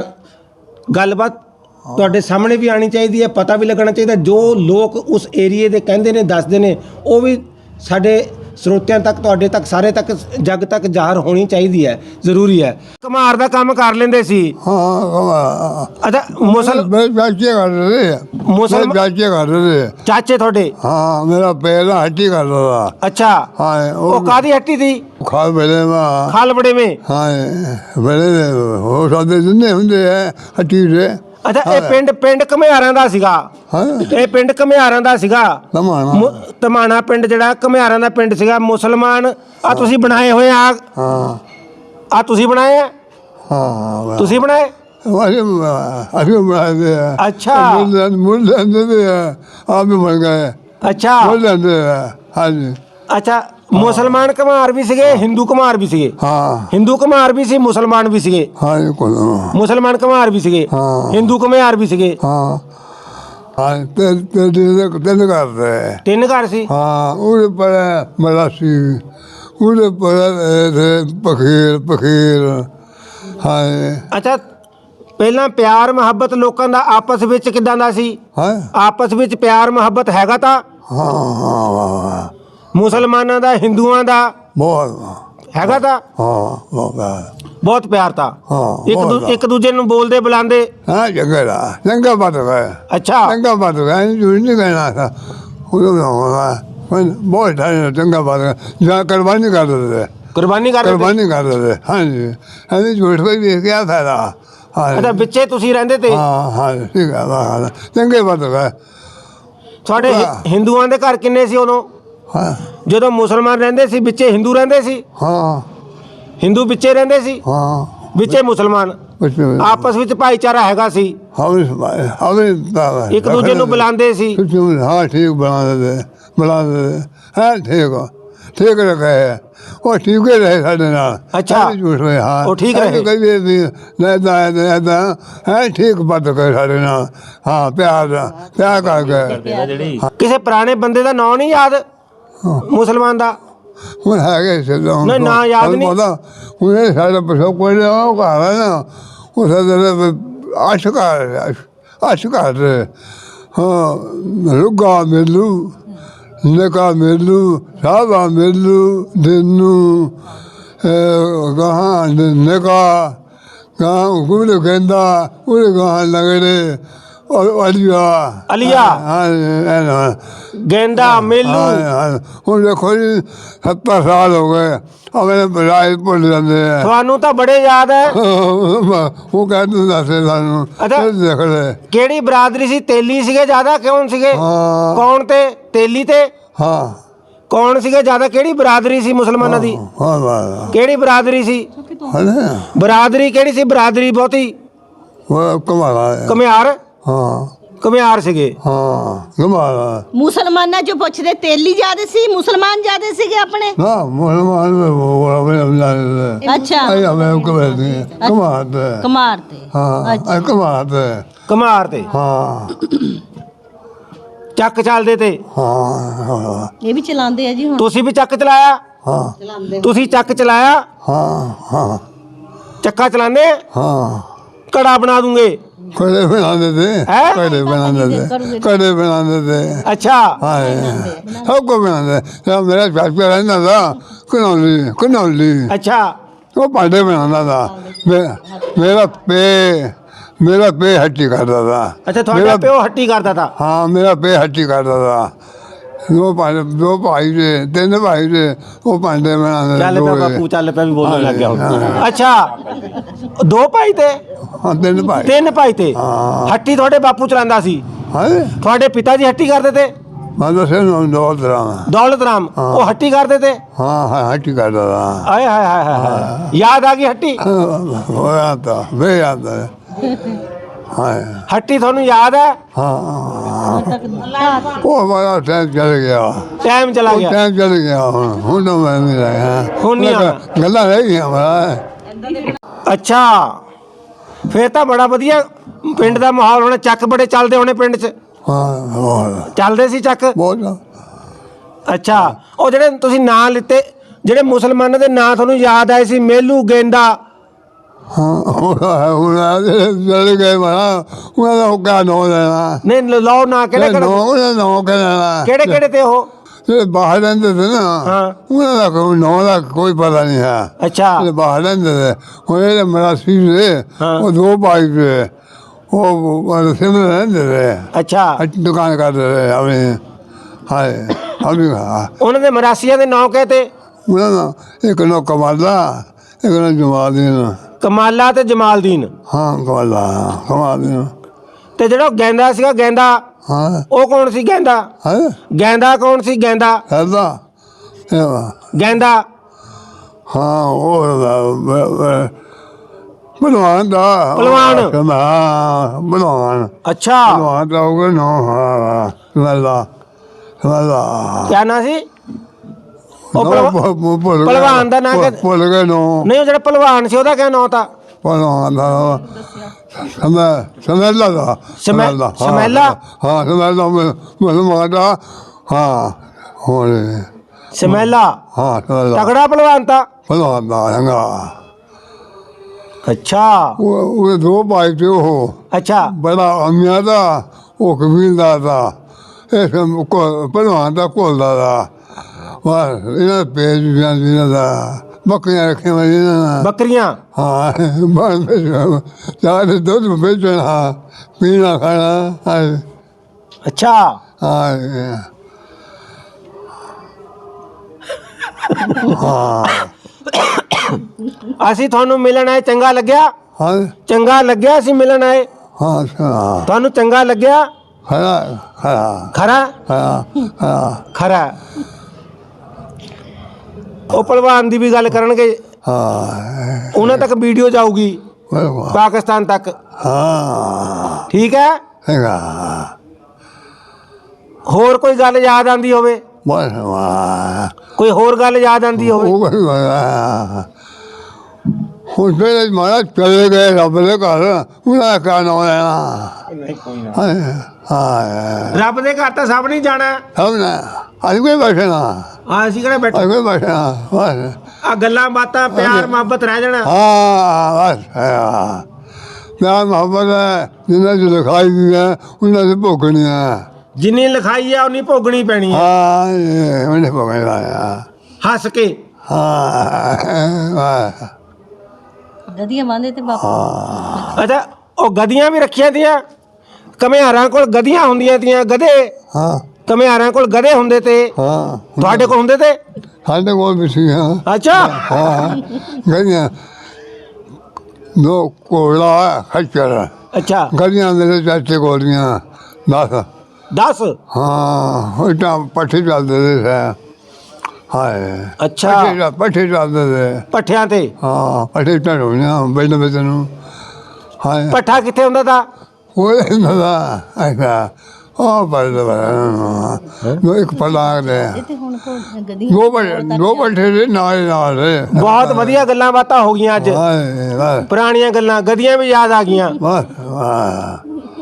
A: ਗੱਲਬਾਤ ਤੁਹਾਡੇ ਸਾਹਮਣੇ ਵੀ ਆਣੀ ਚਾਹੀਦੀ ਹੈ, ਪਤਾ ਵੀ ਲੱਗਣਾ ਚਾਹੀਦਾ। ਜੋ ਲੋਕ ਉਸ ਏਰੀਏ ਦੇ ਕਹਿੰਦੇ ਨੇ, ਦੱਸਦੇ ਨੇ, ਉਹ ਵੀ ਸਾਡੇ ਸਰੋਤਿਆਂ ਤੱਕ, ਤੁਹਾਡੇ ਤੱਕ, ਸਾਰੇ ਤੱਕ, ਜੱਗ ਤੱਕ ਜ਼ਾਹਰ ਹੋਣੀ ਚਾਹੀਦੀ ਹੈ, ਜ਼ਰੂਰੀ ਹੈ। ਕੁਮਾਰ ਦਾ ਕੰਮ ਕਰ ਲੈਂਦੇ ਸੀ।
B: ਹਾਂ ਕਮਾ
A: ਅੱਛਾ ਮੁਸਲ
B: ਮੇਰੇ ਚਾਚੇ ਕਰ ਰਹੇ ਆ
A: ਮੁਸਲਮਾਨ-
B: ਮੇਰੇ ਚਾਚੇ ਕਰ ਰਹੇ ਆ
A: ਚਾਚੇ ਤੁਹਾਡੇ?
B: ਹਾਂ ਮੇਰਾ ਪਹਿਲਾ ਹੱਟੀ ਕਰ ਰਿਹਾ
A: ਅੱਛਾ
B: ਹਾਂ
A: ਉਹ ਕਾਦੀ ਹੱਟੀ ਸੀ?
B: ਖਾ ਬਲੇ ਮਾ
A: ਖਾਲ ਬੜੇ ਮੇ?
B: ਹਾਂ ਬਲੇ ਹੋ ਸਕਦੇ ਜਿੰਨੇ ਹੁੰਦੇ ਆ ਹੱਟੀ ਦੇ।
A: ਅੱਛਾ ਇਹ ਪਿੰਡ ਪਿੰਡ ਘੁਮਿਆਰਾਂ ਦਾ ਸੀਗਾ?
B: ਹਾਂ
A: ਇਹ ਪਿੰਡ ਘੁਮਿਆਰਾਂ ਦਾ ਸੀਗਾ?
B: ਤਮਾਣਾ
A: ਮੁ- ਧਮਾਣਾ ਪਿੰਡ ਜਿਹੜਾ ਘੁਮਿਆਰਾਂ ਦਾ ਪਿੰਡ ਸੀਗਾ। ਮੁਸਲਮਾਨ ਆ ਤੁਸੀਂ ਬਣਾਏ ਹੋਏ ਆ?
B: ਹਾਂ
A: ਆ ਤੁਸੀਂ ਬਣਾਏ ਆ?
B: ਹਾਂ
A: ਤੁਸੀਂ ਬਣਾਏ?
B: ਅਸੀਂ ਅਸੀਂ ਬਣਾਏ ਆ
A: ਅੱਛਾ।
B: ਮੁੱਲ ਮੁੱਲ ਲੈਂਦੇ ਆ ਆਪ ਵੀ ਬਣ ਗਏ
A: ਅੱਛਾ
B: ਮੁੱਲ ਲੈਂਦੇ ਆ ਹਾਂਜੀ
A: ਅੱਛਾ ਮੁਸਲਮਾਨ ਘੁਮਾਰ ਵੀ ਸੀਗੇ, ਹਿੰਦੂ ਘੁਮਾਰ ਵੀ ਸੀਗੇ?
B: ਹਾਂ
A: ਹਿੰਦੂ ਘੁਮਾਰ ਵੀ ਸੀ, ਮੁਸਲਮਾਨ ਵੀ ਸੀਗੇ?
B: ਹਾਂ ਇਹ ਕੋਲ
A: ਮੁਸਲਮਾਨ ਘੁਮਾਰ ਵੀ ਸੀਗੇ,
B: ਹਾਂ।
A: ਹਿੰਦੂ ਘੁਮਿਆਰ ਵੀ ਸੀਗੇ?
B: ਹਾਂ ਹਾਂ ਤੇ ਤੇ ਤੇ ਤਿੰਨ ਕਰਦੇ
A: ਤਿੰਨ ਘਰ ਸੀ?
B: ਹਾਂ ਉਹਦੇ ਪਰ ਮਲਾਸੀ ਉਹਦੇ ਪਰ ਪਖੀਰ ਪਖੀਰ ਹਾਂ
A: ਅੱਛਾ ਪਹਿਲਾਂ ਪਿਆਰ ਮੁਹੱਬਤ ਲੋਕਾਂ ਦਾ ਆਪਸ ਵਿੱਚ ਕਿਦਾਂ ਦਾ ਸੀ?
B: ਹਾਂ
A: ਆਪਸ ਵਿੱਚ ਪਿਆਰ ਮੁਹੱਬਤ ਹੈਗਾ ਤਾਂ?
B: ਹਾਂ ਹਾਂ
A: ਮੁਸਲਮਾਨਾਂ ਦਾ, ਹਿੰਦੂਆਂ ਦਾ
B: ਬਹੁਤ
A: ਹੈਗਾ ਤਾਂ?
B: ਹਾਂ ਬਹੁਤ
A: ਬਹੁਤ ਪਿਆਰ ਤਾਂ?
B: ਹਾਂ,
A: ਇੱਕ ਦੂ-
B: ਬਹੁਤ।
A: ਇੱਕ ਦੂਜੇ ਨੂੰ ਬੋਲਦੇ ਬੁਲਾਉਂਦੇ?
B: ਹਾਂ ਜਗਰਾ ਚੰਗਾ ਬਾਤ ਹੈ
A: ਅੱਛਾ
B: ਚੰਗਾ ਬਾਤ ਹੈ ਜੋ ਨਹੀਂ ਕਹਿਣਾ था ਉਹ ਬਹੁਤ ਠਾਣੇ ਚੰਗਾ ਬਾਤ ਹੈ ਜਾਂ ਕੁਰਬਾਨੀ ਕਰ ਦਿੰਦੇ
A: ਕੁਰਬਾਨੀ ਕਰਦੇ ਤੇ?
B: ਕੁਰਬਾਨੀ ਕਰ ਦਿੰਦੇ ਹਾਂਜੀ ਹਾਂਜੀ ਝੂਠ ਕੋਈ ਵੀ ਕਿਆ ਫਾਇਦਾ ਹਾਂ
A: ਅੱਛਾ ਵਿੱਚੇ ਤੁਸੀਂ ਰਹਿੰਦੇ ਤੇ?
B: ਹਾਂ ਹਾਂ ਠੀਕ ਹੈ ਵਾਹ ਚੰਗੇ ਬਾਤ ਹੈ
A: ਤੁਹਾਡੇ ਹਿ- ਹਿੰਦੂਆਂ ਦੇ ਘਰ ਕਿੰਨੇ ਸੀ ਉਦੋਂ
B: ਹਾਂ
A: ਜਦੋਂ ਮੁਸਲਮਾਨ ਰਹਿੰਦੇ ਸੀ? ਵਿੱਚੇ ਹਿੰਦੂ ਰਹਿੰਦੇ ਸੀ?
B: ਹਾਂ
A: ਹਿੰਦੂ ਵਿੱਚੇ ਰਹਿੰਦੇ ਸੀ,
B: ਹਾਂ
A: ਵਿੱਚੇ ਮੁਸਲਮਾਨ?
B: ਕੁਛ
A: ਆਪਸ ਵਿੱਚ ਭਾਈਚਾਰਾ ਹੈਗਾ ਸੀ?
B: ਹਵੇ ਹਵੇ
A: ਇੱਕ ਦੂਜੇ ਨੂੰ ਬੁਲਾਉਂਦੇ ਸੀ?
B: हाँ ठीक बना देते बना देते है ठीक हो ठीक रखे है वो ठीक ही रहे साढ़े नाल
A: अच्छा।
B: ऐसे झूठ रहे हाँ
A: वो ठीक रहे।
B: कभी भी नहीं नहीं है ठीक बात करे साढ़े नाल हाँ प्यार प्यार करके
A: ਕਿਸੇ ਪੁਰਾਣੇ ਬੰਦੇ ਦਾ ਨਾਂ ਨਹੀਂ ਯਾਦ ਮੁਸਲਮਾਨ ਦਾ?
B: ਹੁਣ ਹੈਗੇ ਸਿੱਧਾ
A: ਨਹੀਂ, ਨਾਂ ਯਾਦ ਨਹੀਂ।
B: ਹੁਣ ਇਹ ਸਾਡਾ ਪਸੋ ਕੋਈ ਨਾ ਉਹ ਘਰ ਹੈ ਨਾ ਉਹ ਸਾਡੇ ਅਸ਼ਕਾਰ ਅਸ਼ਕਾਰ ਹਾਂ ਰੁਗਾ ਮੇਲੂ ਨਕਾ ਮੇਲੂ ਸਾਬਾ ਮੇਲੂ ਦਿਨੂ ਗਾਹਾਂ ਨਕਾ ਗਾਹਾਂ ਗੁਰੂ ਕਹਿੰਦਾ ਉਹ ਗਾਹਾਂ ਲਗੜੇ ਔਰ ਅਲੀਆ
A: ਅਲੀਆ।
B: ਹਾਂ
A: ਗੇਂਦਾ, ਮੇਲੂ?
B: ਹੁਣ ਦੇਖੋ ਜੀ ਸੱਤਰ ਸਾਲ ਹੋ ਗਏ ਅਗਲੇ ਬਰਾਏ ਭੁੱਲ ਜਾਂਦੇ ਆ
A: ਤੁਹਾਨੂੰ ਤਾਂ ਬੜੇ ਯਾਦ ਹੈ।
B: ਉਹ ਕਹਿੰਦੇ ਦੱਸੇ ਸਾਨੂੰ
A: ਅੱਛਾ।
B: ਇਹ ਦੇਖ ਲੈ
A: ਕਿਹੜੀ ਬਰਾਦਰੀ ਸੀ? ਤੇਲੀ ਸੀਗੇ ਜ਼ਿਆਦਾ? ਕੌਣ ਸੀਗੇ?
B: ਹਾਂ।
A: ਕੌਣ ਤੇ? ਤੇਲੀ ਤੇ?
B: ਹਾਂ
A: ਕੌਣ ਸੀਗੇ ਜ਼ਿਆਦਾ? ਕਿਹੜੀ ਬਰਾਦਰੀ ਸੀ ਮੁਸਲਮਾਨਾਂ ਦੀ?
B: ਹਾਂ ਵਾਹ
A: ਕਿਹੜੀ ਬਰਾਦਰੀ ਸੀ?
B: ਹਲੇ
A: ਬਰਾਦਰੀ ਕਿਹੜੀ ਸੀ? ਬਰਾਦਰੀ ਬਹੁਤੀ
B: ਉਹ ਕਮਾਲਾ ਹੈ
A: ਘੁਮਿਆਰ?
B: ਹਾਂ
A: ਘੁਮਿਆਰ ਸੀਗੇ?
B: ਹਾਂ ਕਮਾਲਾ
C: ਮੁਸਲਮਾਨਾਂ ਚੋਂ ਪੁੱਛਦੇ ਤੇਲੀ ਜ਼ਿਆਦੇ ਸੀ, ਮੁਸਲਮਾਨ ਜ਼ਿਆਦੇ ਸੀਗੇ ਆਪਣੇ?
B: ਨਾ ਮੁਸਲਮਾਨ ਉਹ ਆਪਣੇ ਅਮਲਾ
C: ਅੱਛਾ
B: ਆਈ ਹਮੇ ਕਮਾਤੇ ਕਮਾਤੇ
C: ਕੁਮਾਰ ਤੇ?
B: ਹਾਂ ਆ ਕਮਾਤੇ
A: ਘੁਮਾਰ ਤੇ?
B: ਹਾਂ
A: ਚੱਕ ਚੱਲਦੇ ਤੇ?
B: ਹਾਂ
C: ਇਹ ਵੀ ਚਲਾਉਂਦੇ ਆ ਜੀ ਹੁਣ?
B: ਤੁਸੀਂ
A: ਤੁਸੀਂ ਵੀ ਚੱਕ ਚਲਾਇਆ?
B: ਹਾਂ
A: ਤੁਸੀਂ ਚੱਕ ਚਲਾਇਆ?
B: ਹਾਂ ਹਾਂ
A: ਚੱਕਾ ਚਲਾਉਂਦੇ?
B: ਹਾਂ
A: ਕੜਾ ਬਣਾ ਦੂੰਗੇ?
B: ਕੜੇ ਬਣਾਉਂਦੇ ਤੇ
A: ਹੈਂ?
B: ਕੜੇ ਬਣਾਉਂਦੇ ਤੇ ਕੜੇ ਬਣਾਉਂਦੇ ਤੇ
A: ਅੱਛਾ
B: ਹਾਂ ਸਭ ਕੋ ਬਣਾਉਂਦੇ ਤੇ ਮੇਰਾ ਚਾਚਾ ਰਹਿੰਦਾ ਤਾ ਕਨੌਲੀ ਕਨੌਲੀ
A: ਅੱਛਾ
B: ਉਹ ਭਾਂਡੇ ਬਣਾਉਂਦਾ ਤਾ ਮੇ- ਮੇਰਾ ਪੇ ਮੇਰਾ ਪੇ ਹੱਟੀ ਕਰਦਾ ਤਾ
A: ਅੱਛਾ ਤੁਹਾਡਾ
B: ਮੇਰਾ-
A: ਪਿਓ ਹੱਟੀ ਕਰਦਾ ਤਾ?
B: ਹਾਂ ਮੇਰਾ ਪੇ ਹੱਟੀ ਕਰਦਾ ਤਾ ਦੋ ਭਾਈ ਦੋ ਭਾਈ ਦੇ ਤਿੰਨ ਭਾਈ ਦੇ ਉਹ ਭਾਂਡੇ ਬਣਾਉਂਦੇ
A: ਚੱਲ ਪਿਆ ਬਾਪੂ, ਚੱਲ ਪਿਆ ਵੀ ਬੋਲਣ ਲੱਗ ਗਿਆ ਹੁਣ। ਅੱਛਾ ਦੋ ਭਾਈ ਤੇ?
B: ਹਾਂ ਤਿੰਨ ਭਾਈ
A: ਤਿੰਨ ਭਾਈ ਤੇ?
B: ਹਾਂ।
A: ਹੱਟੀ ਤੁਹਾਡੇ ਬਾਪੂ ਚਲਾਉਂਦਾ ਸੀ?
B: ਹਾਂ
A: ਤੁਹਾਡੇ ਪਿਤਾ ਜੀ ਹੱਟੀ ਕਰਦੇ ਤੇ?
B: ਮੈਂ ਦੱਸਿਆ ਨਾ ਦੋ ਤਰ੍ਹਾਂ
A: ਦੌਲਤ ਰਾਮ ਉਹ ਹੱਟੀ ਕਰਦੇ ਤੇ?
B: ਹਾਂ ਹਾਂ ਹੱਟੀ ਕਰਦਾ ਤਾ
A: ਆਏ ਹਾਏ ਹਾਏ ਹਾਏ ਹਾਏ ਯਾਦ ਆ ਗਈ ਹੱਟੀ?
B: ਹੋਇਆ ਤਾਂ ਵੇ ਆਂਦਾ ਹਾਂ
A: ਹੱਟੀ ਤੁਹਾਨੂੰ ਯਾਦ ਹੈ?
B: ਹਾਂ ਉਹ ਬੜਾ ਟਾਈਮ ਚਲ ਗਿਆ
A: ਟਾਈਮ ਚਲਾ
B: ਉਹ
A: ਗਿਆ?
B: ਟਾਈਮ ਚਲ ਗਿਆ ਹੁਣ ਹੁਣ ਤਾਂ ਮੈਂ ਨਹੀਂ ਰਿਹਾ
A: ਹੁਣ ਨਹੀਂ ਆਉਣਾ।
B: ਗੱਲਾਂ ਰਹਿ ਗਈਆਂ ਮਾਰਾ
A: ਅੱਛਾ ਫੇਰ ਤਾਂ ਬੜਾ ਵਧੀਆ ਪਿੰਡ ਦਾ ਮਾਹੌਲ ਹੋਣਾ। ਚੱਕ ਬੜੇ ਚੱਲਦੇ ਹੋਣੇ ਪਿੰਡ 'ਚ?
B: ਹਾਂ ਹੋਰ
A: ਚੱਲਦੇ ਸੀ ਚੱਕ?
B: ਬਹੁਤ
A: ਅੱਛਾ ਉਹ ਜਿਹੜੇ ਤੁਸੀਂ ਨਾਂ ਲਿੱਤੇ, ਜਿਹੜੇ ਮੁਸਲਮਾਨਾਂ ਦੇ ਨਾਂ ਤੁਹਾਨੂੰ ਯਾਦ ਆਏ ਸੀ, ਮੇਲੂ, ਗੇਂਦਾ?
B: ਹਾਂ ਹੁਣ ਹੁਣ ਚਲ ਗਏ ਮਾਰਾ ਉਹਨਾਂ ਦਾ ਉਹ ਕਾ ਨੋ ਲੈਣਾ
A: ਨਹੀਂ ਲਾਓ ਨਾਂ ਕਿਹੜੇ
B: ਨੋ
A: ਕਿਹੜੇ?
B: ਉਹਦਾ ਨੋ ਕਹਿਣਾ
A: ਕਿਹੜੇ ਕਿਹੜੇ ਤੇ ਉਹ?
B: ਜਿਹੜੇ ਬਾਹਰ ਰਹਿੰਦੇ ਸੀ ਨਾ
A: ਹਾਂ।
B: ਉਹਨਾਂ ਦਾ ਕੋਈ ਨਾਂ ਦਾ ਕੋਈ ਪਤਾ ਨਹੀਂ ਹੈ।
A: ਅੱਛਾ
B: ਜਿਹੜੇ ਬਾਹਰ ਰਹਿੰਦੇ ਸੀ ਉਹ ਜਿਹੜੇ ਮਰਾਸੀ ਸੀ
A: ਹਾਂ।
B: ਉਹ ਦੋ ਭਾਈ ਸੀ ਉਹ ਸਿਮਰ ਰਹਿੰਦੇ ਸੀ
A: ਅੱਛਾ
B: ਦੁਕਾਨ ਕਰਦੇ ਸੀ ਆਪਣੇ ਹਾਏ ਆਪਣੀ ਹਾਂ
A: ਉਹਨਾਂ ਦੇ ਮਰਾਸੀਆਂ ਦੇ ਨਾਂ ਕਹਤੇ
B: ਉਹਨਾਂ ਦਾ ਇੱਕ ਨਾਂ ਕਮਾਲਾ ਇੱਕ ਨਾਂ ਜਮਾਦੀਨ
A: ਕਮਾਲਾ ਤੇ ਜਮਾਲਦੀਨ।
B: ਹਾਂ ਕਮਾਲਾ ਕਮਾਦੀਨ
A: ਤੇ ਜਿਹੜਾ ਉਹ ਗੈਂਦਾ ਸੀਗਾ ਗੈਂਦਾ
B: ਹਾਂ
A: ਉਹ ਕੌਣ ਸੀ ਗੈਂਦਾ?
B: ਹੈ
A: ਗੈਂਦਾ ਕੌਣ ਸੀ ਗੈਂਦਾ?
B: ਹੈਦਾ ਇਹ
A: ਗੈਂਦਾ
B: ਹਾਂ ਉਹ ਬਲਵਾਨ ਦਾ
A: ਭਲਵਾਨ।
B: ਹਾਂ ਬਲਵਾਨ
A: ਅੱਛਾ
B: ਬਲਵਾਨ ਦਾ ਉਹ ਨਾ ਹਾਂ ਸਮਝਦਾ ਸਮਝਦਾ
A: ਕਿਆ ਨਾਂ ਸੀ ਉਹ ਭਲਵਾ- ਭਲਵਾਨ ਦਾ ਨਾਂ ਕਿ-
B: ਭੁੱਲ ਗਏ ਨੋ
A: ਨਹੀਂ ਉਹ ਜਿਹੜਾ ਭਲਵਾਨ ਸੀ ਉਹਦਾ ਕਿਆ ਨਾਂ ਤਾਂ?
B: ਭਲਵਾਨ ਦਾ ਸਮਝ ਸਮਝਦਾ ਦਾ
A: ਸਮੈ-
B: ਸਮਝਦਾ, ਹਾਂ,
A: ਸਮੈਲਾ?
B: ਹਾਂ ਸਮਝਦਾ ਬਲਵਾਨ ਦਾ ਹਾਂ ਹੋਰ
A: ਸਮੈਲਾ
B: ਹਾਂ ਸਮਝਦਾ
A: ਤਗੜਾ ਭਲਵਾਨ ਤਾਂ।
B: ਭਲਵਾਨ ਦਾ ਹੈਗਾ
A: ਅੱਛਾ
B: ਉਹ ਉਹਦੇ ਦੋ ਭਾਈ ਤੇ ਉਹ
A: ਅੱਛਾ
B: ਬੜਾ ਅਮੀਆਂ ਦਾ ਉਹ ਕਬੀਲਦਾਰ ਦਾ ਇਹ ਭਲਵਾਨ ਦਾ ਘੋਲਦਾ ਦਾ ਵਾਹ ਇਹਨਾਂ ਦੇ ਪੇਜ ਵੀ ਇਹਨਾਂ ਦਾ ਬੱਕਰੀਆਂ ਰੱਖੀਆਂ ਹੋਈਆਂ ਇਹਨਾਂ ਨੇ।
A: ਬੱਕਰੀਆਂ
B: ਹਾਂ ਬਾਹਰ ਵੇਚਣਾ ਚਾਹ ਦੇ ਦੁੱਧ ਵੇਚਣਾ ਪੀਣਾ ਖਾਣਾ ਹਾਂ
A: ਅੱਛਾ
B: ਹਾਂ
A: ਅਸੀਂ ਤੁਹਾਨੂੰ ਮਿਲਣ ਆਏ ਚੰਗਾ ਲੱਗਿਆ?
B: ਹਾਂ
A: ਚੰਗਾ ਲੱਗਿਆ ਅਸੀਂ ਮਿਲਣ ਆਏ?
B: ਹਾਂ ਹਾਂ
A: ਤੁਹਾਨੂੰ ਚੰਗਾ ਲੱਗਿਆ?
B: ਖਰਾ ਖਰਾ
A: ਖਰਾ
B: ਖਰਾ ਖਰਾ
A: ਖਰਾ ਉਹ ਭਲਵਾਨ ਦੀ ਵੀ ਗੱਲ ਕਰਨਗੇ
B: ਹਾਂ
A: ਉਹਨਾਂ ਤੱਕ ਵੀਡੀਓ ਜਾਊਗੀ
B: ਬਲਵਾ
A: ਪਾਕਿਸਤਾਨ ਤੱਕ
B: ਹਾਂ
A: ਠੀਕ ਹੈ।
B: ਹੈਗਾ
A: ਹੋਰ ਕੋਈ ਗੱਲ ਯਾਦ ਆਂਦੀ ਹੋਵੇ
B: ਬਸ ਵਾਹ
A: ਕੋਈ ਹੋਰ ਗੱਲ ਯਾਦ ਆਂਦੀ ਹੋਵੇ?
B: ਉਹ ਕੋਈ ਵਾਹ ਹੁਣ ਤੇ ਮਾਰਾ ਚਲੇ ਗਏ ਰੱਬ ਦੇ ਘਰ ਉਹਨਾਂ ਕਾ ਨਾ ਆਇਆ
A: ਨਹੀਂ ਕੋਈ ਨਾ
B: ਹਾਂ ਹਾਂ
A: ਰੱਬ ਦੇ ਘਰ ਤਾਂ ਸਭ ਨਹੀਂ ਜਾਣਾ।
B: ਹਮ ਨਾ ਅੱਜ ਕੋਈ ਬੈਠਣਾ
A: ਆ ਅਸੀਂ ਕਿਹੜਾ ਬੈਠੇ
B: ਅੱਜ ਕੋਈ ਬੈਠਣਾ ਬਸ
A: ਆ ਗੱਲਾਂ ਬਾਤਾਂ ਪਿਆਰ ਮੁਹੱਬਤ ਰਹਿ ਜਾਣਾ।
B: ਹਾਂ ਬਸ ਹਾਂ ਪਿਆਰ ਮੁਹੱਬਤ ਹੈ ਜਿੰਨਾ ਚ ਲਿਖਾਈ ਦੀ ਹੈ ਉਹਨਾਂ ਦੇ ਭੋਗਣੀ ਹੈ
A: ਜਿੰਨੀ ਲਿਖਾਈ ਆ ਉਨੀ ਭੋਗਣੀ ਪੈਣੀ ਹੈ
B: ਹਾਂ ਇਹ ਉਹਨੇ ਭੋਗਣਾ ਆ
A: ਹੱਸ ਕੇ।
B: ਹਾਂ ਵਾਹ
C: ਗਧੀਆਂ ਬੰਨ੍ਹਦੇ ਤੇ ਬਾਪੂ
A: ਅੱਛਾ ਉਹ ਗਧੀਆਂ ਵੀ ਰੱਖੀਆਂ ਤੀਆਂ ਕਮਿਆਰਾਂ ਕੋਲ ਗਧੀਆਂ ਹੁੰਦੀਆਂ ਤੀਆਂ ਗਧੇ
B: ਹਾਂ
A: ਕਮਿਆਰਾਂ ਕੋਲ ਗਧੇ ਹੁੰਦੇ ਤੇ
B: ਹਾਂ
A: ਤੁਹਾਡੇ ਕੋਲ ਹੁੰਦੇ ਤੇ?
B: ਸਾਡੇ ਕੋਲ ਵੀ ਸੀ ਹਾਂ
A: ਅੱਛਾ
B: ਹਾਂ ਗਈਆਂ ਦੋ ਕੋਲਾ ਖੱਚਰ
A: ਅੱਛਾ
B: ਗਈਆਂ ਮੇਰੇ ਚਾਚੇ ਕੋਲੀਆਂ ਦਸ
A: ਦਸ
B: ਹਾਂ ਉਹ ਤਾਂ ਪੱਠੇ ਚੱਲਦੇ ਸੀ ਹਾਏ
A: ਅੱਛਾ
B: ਪੱਠੇ ਪੱਠੇ ਚੱਲਦੇ ਸੀ
A: ਪੱਠਿਆਂ ਤੇ?
B: ਹਾਂ ਪੱਠੇ ਢਾਉਣੀਆਂ ਬੈਠ ਬੈਠ ਨੂੰ ਹਾਏ
A: ਪੱਠਾ ਕਿੱਥੇ ਹੁੰਦਾ ਤਾ?
B: ਉਹ ਨਾ ਅੱਛਾ ਉਹ ਬੜਾ ਬੜਾ ਨੋ ਇੱਕ ਪਲਾਗ ਦੇ
C: ਤੇ ਹੁਣ ਕੋ ਗਧੀਆਂ
B: ਦੋ ਬੜੇ ਦੋ ਪੱਠੇ ਦੇ ਨਾਲ ਨਾਲ ਦੇ
A: ਬਹੁਤ ਵਧੀਆ ਗੱਲਾਂ ਬਾਤਾਂ ਹੋ ਗਈਆਂ ਅੱਜ
B: ਹਾਏ ਵਾਹ
A: ਪੁਰਾਣੀਆਂ ਗੱਲਾਂ ਗਧੀਆਂ ਵੀ ਯਾਦ ਆ ਗਈਆਂ।
B: ਵਾਹ ਵਾਹ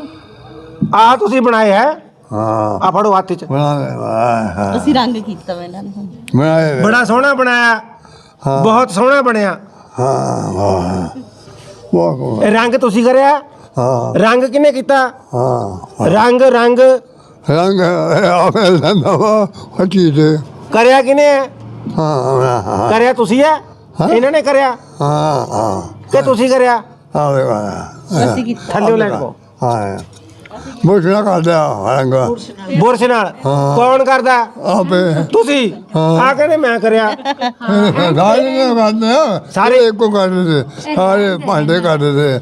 A: ਆਹ ਤੁਸੀਂ ਬਣਾਏ ਹੈ
B: ਹਾਂ
A: ਆ ਫੜੋ ਹੱਥ 'ਚ
B: ਬਣਾ ਵਾਹ
C: ਅਸੀਂ ਰੰਗ ਕੀਤਾ ਵਾ ਇਹਨਾਂ ਨੂੰ
B: ਬਣਾਏ
A: ਬੜਾ ਸੋਹਣਾ ਬਣਾਇਆ
B: ਹਾਂ।
A: ਬਹੁਤ ਸੋਹਣਾ ਬਣਿਆ।
B: ਹਾਂ ਵਾਹ ਵਾਹ
A: ਇਹ ਰੰਗ ਤੁਸੀਂ ਕਰਿਆ?
B: ਹਾਂ
A: ਰੰਗ ਕਿਹਨੇ ਕੀਤਾ?
B: ਹਾਂ
A: ਰੰਗ ਰੰਗ
B: ਰੰਗ ਆਪੇ ਲੰਦਾ ਵਾ ਹੱਟੀ ਤੇ
A: ਕਰਿਆ ਕਿਹਨੇ ਹੈ?
B: ਹਾਂ ਹਾਂ
A: ਕਰਿਆ ਤੁਸੀਂ ਹੈ? ਇਹਨਾਂ ਨੇ ਕਰਿਆ
B: ਹਾਂ ਹਾਂ
A: ਕਿ ਤੁਸੀਂ ਕਰਿਆ?
B: ਆਵੇ ਵਾਹ
C: ਅਸੀਂ ਕੀਤਾ
A: ਥੱਲੇ ਲੈਣ ਕੋ
B: ਹਾਂ ਮੁਸ਼ਨਾ ਕਰਦਾ ਰੰਗ
A: ਬੁਰਸ਼ ਨਾਲ ਕੌਣ ਕਰਦਾ?
B: ਆਪੇ
A: ਤੁਸੀਂ ਆ ਕਹਿੰਦੇ ਮੈਂ ਕਰਿਆ।
B: ਸਾਰੇ ਨੇ ਕਰਦੇ ਆ
A: ਸਾਰੇ?
B: ਸਾਰੇ ਇੱਕੋ ਕਰਦੇ ਤੇ ਸਾਰੇ ਭਾਂਡੇ ਕਰਦੇ ਤੇ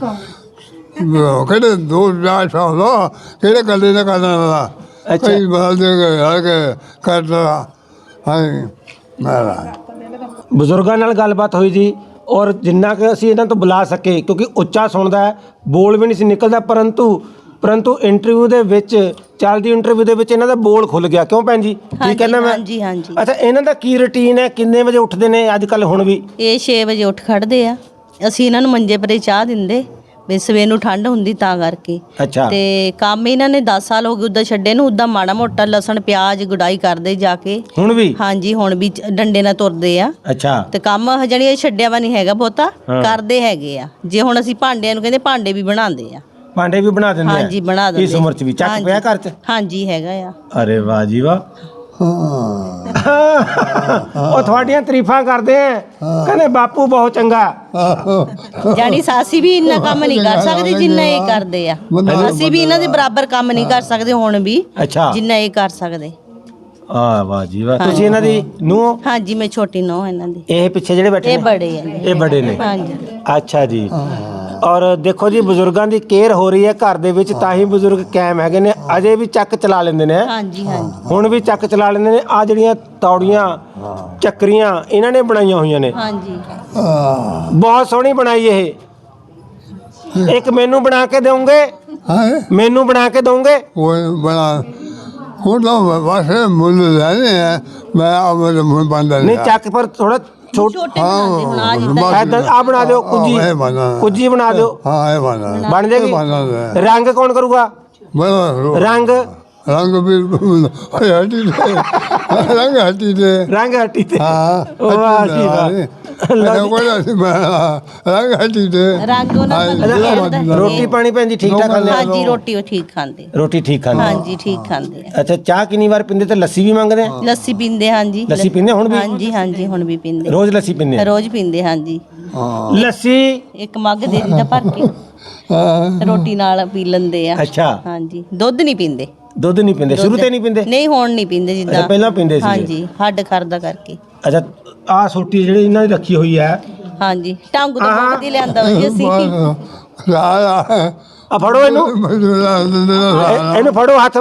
B: ਕਿਹੜੇ ਦੋ ਚਾਰ ਸਾਲ ਦਾ ਕਿਹੜੇ ਕੱਲੇ ਨੇ ਕਰਨਾ ਦਾ
A: ਅੱਛਾ।
B: ਕਈ ਬਾਲ ਦੇ ਗਏ ਆ ਕੇ ਕਰਦਾ ਹਾਂ ਮਾਰਾ
A: ਬਜ਼ੁਰਗਾਂ ਨਾਲ ਗੱਲਬਾਤ ਹੋਈ ਜੀ ਔਰ ਜਿੰਨਾ ਕਿ ਅਸੀਂ ਇਹਨਾਂ ਤੋਂ ਬੁਲਾ ਸਕੇ ਕਿਉਂਕਿ ਉੱਚਾ ਸੁਣਦਾ ਹੈ ਬੋਲ ਵੀ ਨਹੀਂ ਸੀ ਨਿਕਲਦਾ ਪਰੰਤੂ ਪਰੰਤੂ ਇੰਟਰਵਿਊ ਦੇ ਵਿੱਚ ਚੱਲਦੀ ਇੰਟਰਵਿਊ ਦੇ ਵਿੱਚ ਇਹਨਾਂ ਦਾ ਬੋਲ ਖੁੱਲ ਗਿਆ ਕਿਉਂ ਭੈਣ ਜੀ ਕੀ
C: ਹਾਂਜੀ,
A: ਕਹਿੰਦਾ ਮੈਂ?
C: ਹਾਂਜੀ, ਹਾਂਜੀ।
A: ਅੱਛਾ ਇਹਨਾਂ ਦਾ ਕੀ ਰੁਟੀਨ ਹੈ ਕਿੰਨੇ ਵਜੇ ਉੱਠਦੇ ਨੇ ਅੱਜ ਕੱਲ ਹੁਣ ਵੀ?
C: ਇਹ ਛੇ ਵਜੇ ਉੱਠ ਖੜਦੇ ਆ ਅਸੀਂ ਇਹਨਾਂ ਨੂੰ ਮੰਜੇ ਪਰੇ ਚਾਹ ਦਿੰਦੇ ਵੀ ਸਵੇਰ ਨੂੰ ਠੰਡ ਹੁੰਦੀ ਤਾਂ ਕਰਕੇ
A: ਅੱਛਾ
C: ਤੇ ਕੰਮ ਇਹਨਾਂ ਨੇ ਦਸ ਸਾਲ ਹੋ ਗਏ ਉੱਦਾਂ ਛੱਡੇ ਨੂੰ ਉੱਦਾਂ ਮਾੜਾ ਮੋਟਾ ਲਸਣ ਪਿਆਜ਼ ਗੁਡਾਈ ਕਰਦੇ ਜਾ ਕੇ
A: ਹੁਣ ਵੀ?
C: ਹਾਂਜੀ ਹੁਣ ਵੀ ਚ- ਡੰਡੇ ਨਾਲ ਤੁਰਦੇ ਆ
A: ਅੱਛਾ
C: ਤੇ ਕੰਮ ਜਣੀ ਇਹ ਛੱਡਿਆ ਵਾ ਨਹੀਂ ਹੈਗਾ ਬਹੁਤਾ
A: ਹਾਂ।
C: ਕਰਦੇ ਹੈਗੇ ਆ ਜੇ ਹੁਣ ਅਸੀਂ ਭਾਂਡਿਆਂ ਨੂੰ ਕਹਿੰਦੇ ਭਾਂਡੇ ਵੀ ਬਣਾਉਂਦੇ ਆ
A: ਭਾਂਡੇ ਵੀ ਬਣਾ ਦਿੰਦੇ ਆ?
C: ਹਾਂਜੀ ਬਣਾ ਦਿੰਦੇ
A: ਇਸ ਉਮਰ 'ਚ ਵੀ ਚੱਕ
C: ਹਾਂਜੀ।
A: ਪਿਆ ਘਰ 'ਚ?
C: ਹਾਂਜੀ ਹੈਗਾ ਆ
A: ਅਰੇ ਵਾਹ ਜੀ ਵਾਹ ਉਹ ਤੁਹਾਡੀਆਂ ਤਾਰੀਫਾਂ ਕਰਦੇ ਆ, ਕਹਿੰਦੇ ਬਾਪੂ ਬਹੁਤ ਚੰਗਾ।
C: ਜਾਨੀ ਸਾਸੀ ਵੀ ਇੰਨਾ ਕੰਮ ਨਹੀਂ ਕਰ ਸਕਦੇ ਜਿੰਨਾ ਇਹ ਕਰਦੇ ਆ। ਅਸੀਂ ਵੀ ਇਹਨਾਂ ਦੇ ਬਰਾਬਰ ਕੰਮ ਨਹੀਂ ਕਰ ਸਕਦੇ ਹੁਣ ਵੀ,
A: ਅੱਛਾ
C: ਜਿੰਨਾ ਇਹ ਕਰ ਸਕਦੇ।
A: ਆ ਵਾਹ ਜੀ ਵਾਹ। ਤੁਸੀਂ ਇਹਨਾਂ ਦੀ ਨੂੰਹ?
C: ਹਾਂਜੀ ਮੈਂ ਛੋਟੀ ਨੂੰਹ ਇਹਨਾਂ ਦੀ।
A: ਇਹ ਪਿੱਛੇ ਜਿਹੜੇ ਬੈਠੇ
C: ਇਹ
A: ਨੇ?
C: ਬੜੇ ਆ।
A: ਇਹ ਬੜੇ ਨੇ।
C: ਹਾਂਜੀ
A: ਅੱਛਾ ਜੀ। ਔਰ ਦੇਖੋ ਜੀ ਬਜ਼ੁਰਗਾਂ ਦੀ ਕੇਅਰ ਹੋ ਰਹੀ ਹੈ ਘਰ ਦੇ ਵਿੱਚ, ਤਾਂ ਹੀ ਬਜ਼ੁਰਗ ਕਾਇਮ ਹੈਗੇ ਨੇ, ਅਜੇ ਵੀ ਚੱਕ ਚਲਾ ਲੈਂਦੇ ਨੇ।
C: ਹਾਂਜੀ ਹਾਂਜੀ
A: ਹੁਣ ਵੀ ਚੱਕ ਚਲਾ ਲੈਂਦੇ ਨੇ। ਆ ਜਿਹੜੀਆਂ ਤੌੜੀਆਂ ਚੱਕਰੀਆਂ ਇਹਨਾਂ ਨੇ ਬਣਾਈਆਂ ਹੋਈਆਂ ਨੇ,
C: ਹਾਂਜੀ।
A: ਬਹੁਤ ਸੋਹਣੀ ਬਣਾਈ ਇਹ। ਇੱਕ ਮੈਨੂੰ ਬਣਾ ਕੇ ਦੇਵੋਗੇ?
B: ਹੈ
A: ਮੈਨੂੰ ਬਣਾ ਕੇ ਦੋਗੇ?
B: ਉਹ ਬਣਾ ਹੁਣ ਤਾਂ ਵਾਸੇ ਮੁੱਲ ਲੈਣੇ ਆ, ਮੈਂ ਆਪਣੇ ਮੁੱਲ ਬੰਦਾ
A: ਨਹੀਂ ਚੱਕ ਪਰ ਥੋੜਾ ਛੋਟ
C: ਛੋਟੇ ਬਣਾਉਂਦੇ ਹੁਣ ਆ ਜਿੱਦਾਂ
A: ਆ ਬਣਾ ਦਿਓ ਕੁੱਜੀ,
B: ਇਹ ਬਣਾ
A: ਕੁੱਜੀ ਬਣਾ ਦਿਓ।
B: ਹਾਂ ਇਹ ਬਣਾ
A: ਬਣ ਜਾਏਗੀ। ਰੰਗ ਕੌਣ ਕਰੂਗਾ?
B: ਬਣਾ
A: ਰੰਗ
B: ਰੰਗ ਵੀ ਹੱਟੀ ਤੇ ਰੰਗ ਹੱਟੀ ਤੇ
A: ਰੰਗ ਹੱਟੀ ਤੇ।
B: ਹਾਂ
A: ਵਾਹ ਜੀ ਵਾਹ।
B: ਲਓ ਕੋਈ ਅਸੀਂ ਰੰਗ ਹੱਟੀ ਤੇ
C: ਰੰਗ ਉਹਨਾਂ ਦਾ
A: ਰੋਟੀ ਪਾਣੀ ਭੈਣ ਜੀ ਠੀਕ ਠਾਕ ਖਾਂਦੇ ਆ?
C: ਹਾਂਜੀ ਰੋਟੀ ਉਹ ਠੀਕ ਖਾਂਦੇ।
A: ਰੋਟੀ ਠੀਕ ਖਾਂਦੇ ਆ?
C: ਹਾਂਜੀ ਠੀਕ ਖਾਂਦੇ ਆ।
A: ਅੱਛਾ ਚਾਹ ਕਿੰਨੀ ਵਾਰ ਪੀਂਦੇ ਤੇ ਲੱਸੀ ਵੀ ਮੰਗਦੇ ਆ?
C: ਲੱਸੀ ਪੀਂਦੇ ਹਾਂਜੀ।
A: ਲੱਸੀ ਪੀਂਦੇ ਹੁਣ ਵੀ?
C: ਹਾਂਜੀ ਹਾਂਜੀ ਹੁਣ ਵੀ ਪੀਂਦੇ।
A: ਰੋਜ਼ ਲੱਸੀ ਪੀਂਦੇ ਆ?
C: ਰੋਜ਼ ਪੀਂਦੇ ਹਾਂਜੀ।
A: ਲੱਸੀ
C: ਇੱਕ ਮੱਗ ਦੇ ਦਿੱਤਾ ਭਰ ਕੇ, ਰੋਟੀ ਨਾਲ ਪੀ ਲੈਂਦੇ ਆ।
A: ਅੱਛਾ
C: ਹਾਂਜੀ ਦੁੱਧ ਨਹੀਂ ਪੀਂਦੇ।
A: ਦੁੱਧ ਨਹੀਂ ਪੀਂਦੇ? ਸ਼ੁਰੂ ਤੇ ਨਹੀਂ ਪੀਂਦੇ?
C: ਨਹੀਂ ਹੁਣ ਨਹੀਂ ਪੀਂਦੇ ਜਿੱਦਾਂ
A: ਅੱਛਾ, ਪਹਿਲਾਂ ਪੀਂਦੇ ਸੀਗੇ।
C: ਹਾਂਜੀ ਹੱਡ ਖਰਦਾ ਕਰਕੇ।
A: ਅੱਛਾ ਆਹ ਸੋਟੀ ਜਿਹੜੀ ਇਹਨਾਂ ਦੀ ਰੱਖੀ ਹੋਈ ਹੈ,
C: ਹਾਂਜੀ ਟਾਂਗੂ ਤੋਂ ਬਹੁਤ ਹੀ ਲਿਆਂਦਾ ਵਾ ਜੀ ਅਸੀਂ।
A: ਆ ਫੜੋ ਇਹਨੂੰ, ਇਹ- ਇਹਨੂੰ ਫੜੋ ਹੱਥ।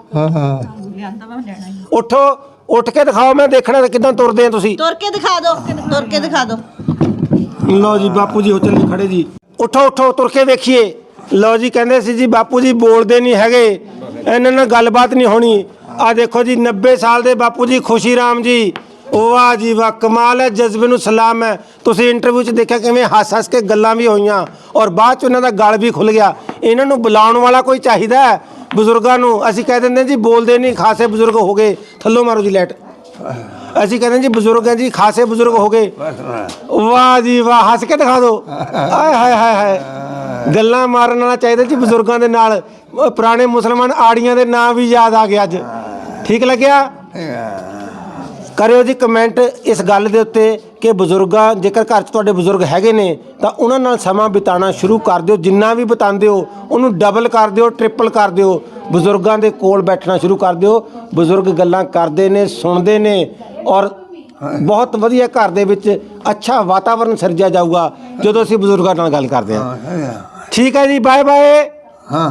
A: ਉੱਠੋ, ਉੱਠ ਕੇ ਦਿਖਾਓ, ਮੈਂ ਦੇਖਣਾ ਕਿਦਾਂ ਤੁਰਦੇ ਆ ਤੁਸੀਂ।
C: ਤੁਰ ਕੇ ਦਿਖਾ ਦਿਓ, ਤੁਰ ਕੇ ਦਿਖਾ ਦਿਓ।
A: ਲਓ ਜੀ ਬਾਪੂ ਜੀ ਹੋ ਚੱਲੇ ਖੜੇ ਜੀ। ਉੱਠੋ ਉੱਠੋ ਤੁਰ ਕੇ ਵੇਖੀਏ। ਲਓ ਜੀ ਕਹਿੰਦੇ ਸੀ ਜੀ ਬਾਪੂ ਜੀ ਬੋਲਦੇ ਨਹੀਂ ਹੈਗੇ, ਇਹਨਾਂ ਨਾਲ ਗੱਲਬਾਤ ਨਹੀਂ ਹੋਣੀ। ਆ ਦੇਖੋ ਜੀ ਨੱਬੇ ਸਾਲ ਦੇ ਬਾਪੂ ਜੀ ਖੁਸ਼ੀ ਰਾਮ ਜੀ, ਵਾਹ ਜੀ ਵਾਹ ਕਮਾਲ ਹੈ, ਜਜ਼ਬੇ ਨੂੰ ਸਲਾਮ ਹੈ। ਤੁਸੀਂ ਇੰਟਰਵਿਊ 'ਚ ਦੇਖਿਆ ਕਿਵੇਂ ਹੱਸ ਹੱਸ ਕੇ ਗੱਲਾਂ ਵੀ ਹੋਈਆਂ ਔਰ ਬਾਅਦ 'ਚ ਉਹਨਾਂ ਦਾ ਗਲ ਵੀ ਖੁੱਲ ਗਿਆ। ਇਹਨਾਂ ਨੂੰ ਬੁਲਾਉਣ ਵਾਲਾ ਕੋਈ ਚਾਹੀਦਾ ਹੈ ਬਜ਼ੁਰਗਾਂ ਨੂੰ। ਅਸੀਂ ਕਹਿ ਦਿੰਦੇ ਜੀ ਬੋਲਦੇ ਨਹੀਂ, ਖਾਸੇ ਬਜ਼ੁਰਗ ਹੋ ਗਏ। ਥੱਲੋਂ ਮਾਰੋ ਜੀ ਲਾਈਟ। ਅਸੀਂ ਕਹਿੰਦੇ ਜੀ ਬਜ਼ੁਰਗ ਹੈ ਜੀ, ਖਾਸੇ ਬਜ਼ੁਰਗ ਹੋ ਗਏ। ਵਾਹ ਜੀ ਵਾਹ, ਹੱਸ ਕੇ ਦਿਖਾ ਦਿਓ। ਆਏ ਹਾਏ ਹਾਏ ਹਾਏ, ਗੱਲਾਂ ਮਾਰਨ ਵਾਲਾ ਚਾਹੀਦਾ ਜੀ ਬਜ਼ੁਰਗਾਂ ਦੇ ਨਾਲ। ਉਹ ਪੁਰਾਣੇ ਮੁਸਲਮਾਨ ਆੜੀਆਂ ਦੇ ਨਾਂ ਵੀ ਯਾਦ ਆ ਗਏ ਅੱਜ। ਠੀਕ ਲੱਗਿਆ? ਕਰਿਓ ਜੀ ਕਮੈਂਟ ਇਸ ਗੱਲ ਦੇ ਉੱਤੇ ਕਿ ਬਜ਼ੁਰਗਾਂ, ਜੇਕਰ ਘਰ 'ਚ ਤੁਹਾਡੇ ਬਜ਼ੁਰਗ ਹੈਗੇ ਨੇ ਤਾਂ ਉਹਨਾਂ ਨਾਲ ਸਮਾਂ ਬਿਤਾਉਣਾ ਸ਼ੁਰੂ ਕਰ ਦਿਓ। ਜਿੰਨਾ ਵੀ ਬਿਤਾਉਂਦੇ ਹੋ ਉਹਨੂੰ ਡਬਲ ਕਰ ਦਿਓ, ਟ੍ਰਿਪਲ ਕਰ ਦਿਓ। ਬਜ਼ੁਰਗਾਂ ਦੇ ਕੋਲ ਬੈਠਣਾ ਸ਼ੁਰੂ ਕਰ ਦਿਓ। ਬਜ਼ੁਰਗ ਗੱਲਾਂ ਕਰਦੇ ਨੇ, ਸੁਣਦੇ ਨੇ ਔਰ ਬਹੁਤ ਵਧੀਆ ਘਰ ਦੇ ਵਿੱਚ ਅੱਛਾ ਵਾਤਾਵਰਨ ਸਿਰਜਿਆ ਜਾਊਗਾ ਜਦੋਂ ਅਸੀਂ ਬਜ਼ੁਰਗਾਂ ਨਾਲ ਗੱਲ ਕਰਦੇ ਹਾਂ। ਠੀਕ ਹੈ ਜੀ, ਬਾਏ ਬਾਏ।